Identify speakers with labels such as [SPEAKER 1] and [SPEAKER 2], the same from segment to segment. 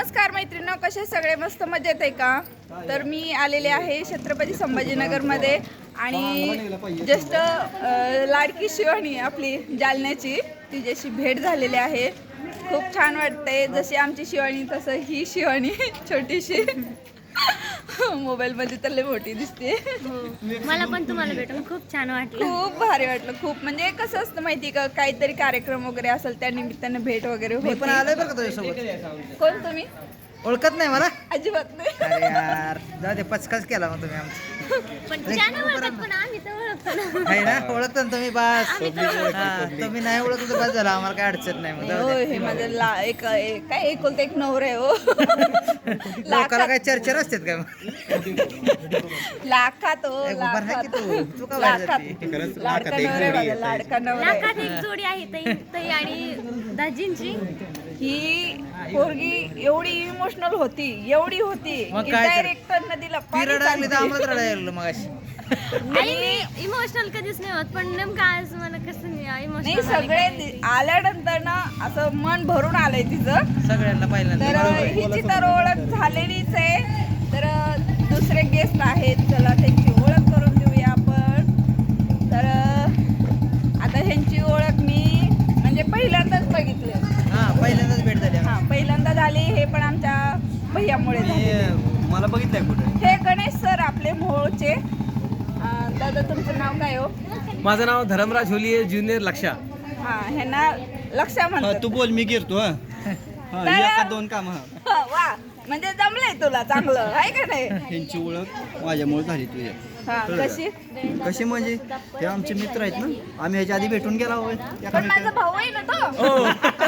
[SPEAKER 1] नमस्कार मैत्रिणींनो, कसे सगळे मस्त मजेत आहे का? तर मी आलेले आहे छत्रपती संभाजीनगरमध्ये आणि जस्ट लाडकी शिवानी आपली जालन्याची तिच्याशी भेट झालेली आहे. खूप छान वाटतंय. जशी आमची शिवानी तसं ही शिवानी छोटीशी मोबाईल मध्ये तर लय मोठी दिसते.
[SPEAKER 2] मला पण तुम्हाला भेटून खूप छान वाटलं.
[SPEAKER 1] खूप भारी वाटलं. खूप म्हणजे कसं असतं माहिती का, काहीतरी कार्यक्रम वगैरे असेल त्या निमित्ताने भेट वगैरे
[SPEAKER 3] मी पण
[SPEAKER 1] होते.
[SPEAKER 3] आलोय बरं का तुझ्यासोबत.
[SPEAKER 1] कोण तुम्ही?
[SPEAKER 3] ओळखत नाही मला.
[SPEAKER 1] अजिबात नाही.
[SPEAKER 3] अरे यार जाऊ दे, पचकाच केला मग तुम्ही आमचा.
[SPEAKER 2] पण ज्याने ओळखत पण आम्ही तर ओळखतो ना.
[SPEAKER 3] आहे ना, ओळखता ना तुम्ही बस. हा, तुम्ही नाही ओळखत तर बस झाला, आम्हाला काय अडचण नाही. मग जाऊ
[SPEAKER 1] हो,
[SPEAKER 3] दे.
[SPEAKER 1] हे माझं काय एकुलता एक नवरा आहे हो.
[SPEAKER 3] लोकाला काय चर्चा असतात काय मग?
[SPEAKER 1] लाखात हो,
[SPEAKER 3] ए, उभा राहा की
[SPEAKER 1] लाखात
[SPEAKER 3] तू का बाहेर
[SPEAKER 1] लाखात
[SPEAKER 3] जाते?
[SPEAKER 1] लाडका नवरा आहे माझा, लाडका नवरा आहे.
[SPEAKER 2] लाखात एक जोडी आहे ताई आणि दाजींची.
[SPEAKER 1] ही पोरगी एवढी इमोशनल होती, एवढी होती
[SPEAKER 3] मग
[SPEAKER 1] की
[SPEAKER 3] काय तर?
[SPEAKER 1] डायरेक्ट नदीला
[SPEAKER 3] ती
[SPEAKER 1] पाणी
[SPEAKER 3] रडायला तर
[SPEAKER 1] चालते.
[SPEAKER 3] आम्हाला रडायला लागलं मग अशी.
[SPEAKER 2] आणि मी इमोशनल कधीच नाही होत, पण नेमकं आज मला कसं
[SPEAKER 1] नाही,
[SPEAKER 2] इमोशनल
[SPEAKER 1] सगळे आल्यानंतर ना असं मन भरून आलंय तिचं.
[SPEAKER 3] सगळ्यांना
[SPEAKER 1] तर
[SPEAKER 3] पहिल्यांदा
[SPEAKER 1] हिची तर ओळख झालेलीच आहे. तर दुसरे गेस्ट आहेत, चला त्यांची ओळख करून देऊया आपण. तर आता ह्यांची ओळख मी म्हणजे पहिल्यांदाच बघितली.
[SPEAKER 3] हा, पहिल्यांदाच भेट झाली
[SPEAKER 1] हा, पहिल्यांदा झाली. हे पण आमच्या भैयामुळे झाले.
[SPEAKER 3] मला बघितलंय कुठे.
[SPEAKER 1] हे गणेश सर आपले मोहोळचे. दादा तुमचं नाव काय हो?
[SPEAKER 4] माझं नाव धरमराज होलिये ज्युनियर लक्षा.
[SPEAKER 1] हा, ह्यांना लक्षा म्हणतात.
[SPEAKER 5] तू बोल, मी गिरतो.
[SPEAKER 1] तर-
[SPEAKER 5] दोन काम.
[SPEAKER 1] वा, म्हणजे जमलंय तुला चांगलं आहे का नाही?
[SPEAKER 5] ह्यांची ओळख माझ्यामुळे झाली तुझ्या.
[SPEAKER 1] हा, कशी?
[SPEAKER 5] कशी म्हणजे हे आमचे मित्र आहेत ना, आम्ही ह्याच्या आधी भेटून गेला होय
[SPEAKER 1] पण माझा भाऊ आहे ना तो.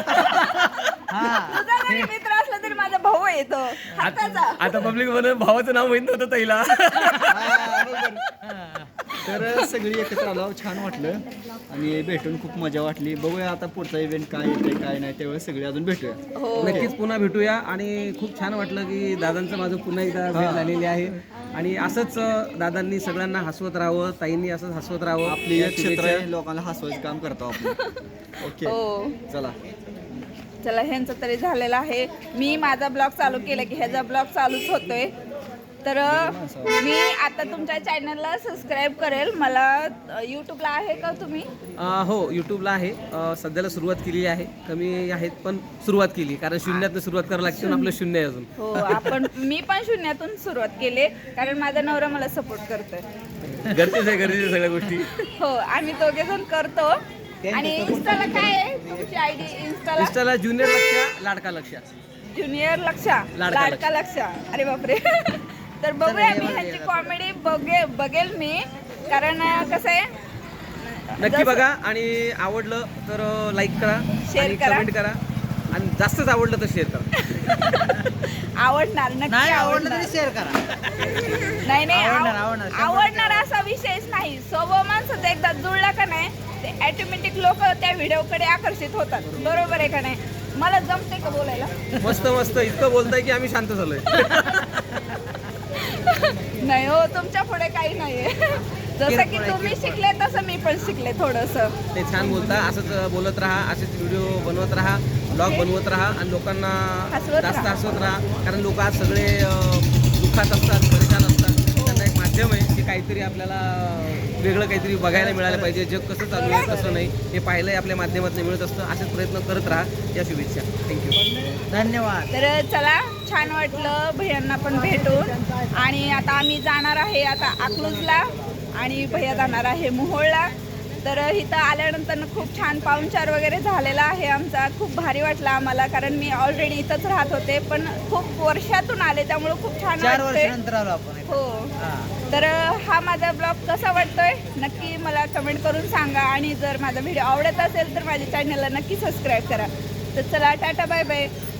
[SPEAKER 1] तुझा जरी मित्र असला तरी माझा भाऊ आहे तो हाताचा.
[SPEAKER 4] आता पब्लिक म्हणून भावाचं नाव माहित नव्हतं ताईला.
[SPEAKER 5] तर सगळी एकत्र आलो, छान वाटलं आणि भेटून खूप मजा वाटली. बघूया आता पुढचा इव्हेंट काय येते काय नाही, त्यावेळेस सगळे अजून भेटूया.
[SPEAKER 1] हो,
[SPEAKER 4] नक्कीच पुन्हा भेटूया आणि खूप छान वाटलं की दादांचं माझं पुन्हा एकदा भेट झालेली आहे आणि असंच दादांनी सगळ्यांना हसवत राहावं, ताईंनी असंच हसवत राहावं.
[SPEAKER 5] आपली
[SPEAKER 4] या
[SPEAKER 5] एक क्षेत्र
[SPEAKER 4] शुभेच्छा.
[SPEAKER 5] आहे, लोकांना हसवायचं काम करतो आपण. ओके,
[SPEAKER 1] हो.
[SPEAKER 5] चला.
[SPEAKER 1] चला, ह्यांचं तरी झालेलं आहे. मी माझा ब्लॉग चालू केला की ह्याचा ब्लॉग चालूच होतोय. तर मी आता तुमच्या चॅनलला सबस्क्राईब करेल. मला यूट्यूबला आहे का तुम्ही?
[SPEAKER 4] हो, यूट्यूबला आहे. सध्याला सुरुवात केली आहे. कमी आहेत पण सुरुवात केली, कारण शून्यातनं सुरुवात करावं लागते आणि आपलं शून्य आहे अजून.
[SPEAKER 1] हो, मी पण शून्यातून सुरुवात केली कारण माझा नवरा मला सपोर्ट करतोय.
[SPEAKER 4] गरजेचं सगळ्या गोष्टी.
[SPEAKER 1] हो, आम्ही दोघे जण करतो. आणि इन्स्टाला काय आहे तुमची आयडी?
[SPEAKER 4] इंस्टाला ज्युनियर लक्षा, लाडका लक्षा.
[SPEAKER 1] ज्युनियर लक्षा,
[SPEAKER 4] लाडका
[SPEAKER 1] लाडका लक्षा. अरे बापरे. तर बघूया, मी ह्याची कॉमेडी बघेल मी, कारण कसं आहे,
[SPEAKER 4] नक्की बघा आणि आवडलं तर लाईक करा,
[SPEAKER 1] Share
[SPEAKER 4] आणि
[SPEAKER 1] करा.
[SPEAKER 4] कमेंट करा आणि जास्तच आवडलं तर शेअर करा.
[SPEAKER 1] आवडणार, नक्की
[SPEAKER 3] नाही आवडलं
[SPEAKER 1] आवडणार.
[SPEAKER 3] तरी शेअर करा.
[SPEAKER 1] नाही
[SPEAKER 3] आवडणार.
[SPEAKER 1] आवडणार असा विषयच नाही. स्वभाव माणसाचा एकदा जुळला का नाही, ते ऑटोमॅटिक लोक त्या व्हिडिओकडे आकर्षित होतात. बरोबर आहे का नाही? मला जमते का बोलायला?
[SPEAKER 4] मस्त मस्त इतकं बोलताय की आम्ही शांत झालोय.
[SPEAKER 1] नाही हो, तुमच्या पुढे काही नाहीये. जसं की तुम्ही शिकले तसं मी पण शिकले थोडंसं.
[SPEAKER 4] ते छान बोलता, असंच बोलत राहा, असेच व्हिडिओ बनवत राहा, ब्लॉग बनवत राहा आणि लोकांना
[SPEAKER 1] हसवत
[SPEAKER 4] जास्त
[SPEAKER 1] राहा.
[SPEAKER 4] हसवत राहा. कारण लोक आज सगळे दुःखात असतात, परेशान असतात. त्यांना एक माध्यम आहे की काहीतरी आपल्याला वेगळं काहीतरी बघायला मिळालं पाहिजे. जग कसं चालू आहे कसं नाही हे पाहिलंय आपल्या माध्यमातून मिळत असतं. असेच प्रयत्न करत राहा. या शुभेच्छा. थँक्यू.
[SPEAKER 3] धन्यवाद.
[SPEAKER 1] तर चला, छान वाटलं भैयांना पण भेटून. आणि आता आम्ही जाणार आहे आता अकलूजला आणि भैया जाणार आहे मोहोळला. तर इथं आल्यानंतर खूप छान पाहुणचार वगैरे झालेला आहे आमचा. खूप भारी वाटला आम्हाला, कारण मी ऑलरेडी इथंच राहत होते, पण खूप वर्षातून आले त्यामुळे खूप छान
[SPEAKER 3] 4
[SPEAKER 1] वाटतंय.
[SPEAKER 3] वर्षानंतर आलो आपण.
[SPEAKER 1] हो. तर हा माझा ब्लॉग कसा वाटतोय नक्की मला कमेंट करून सांगा. आणि जर माझा व्हिडिओ आवडत असेल तर माझ्या चॅनलला नक्की सबस्क्राईब करा. तर चला, टाटा, बाय बाय.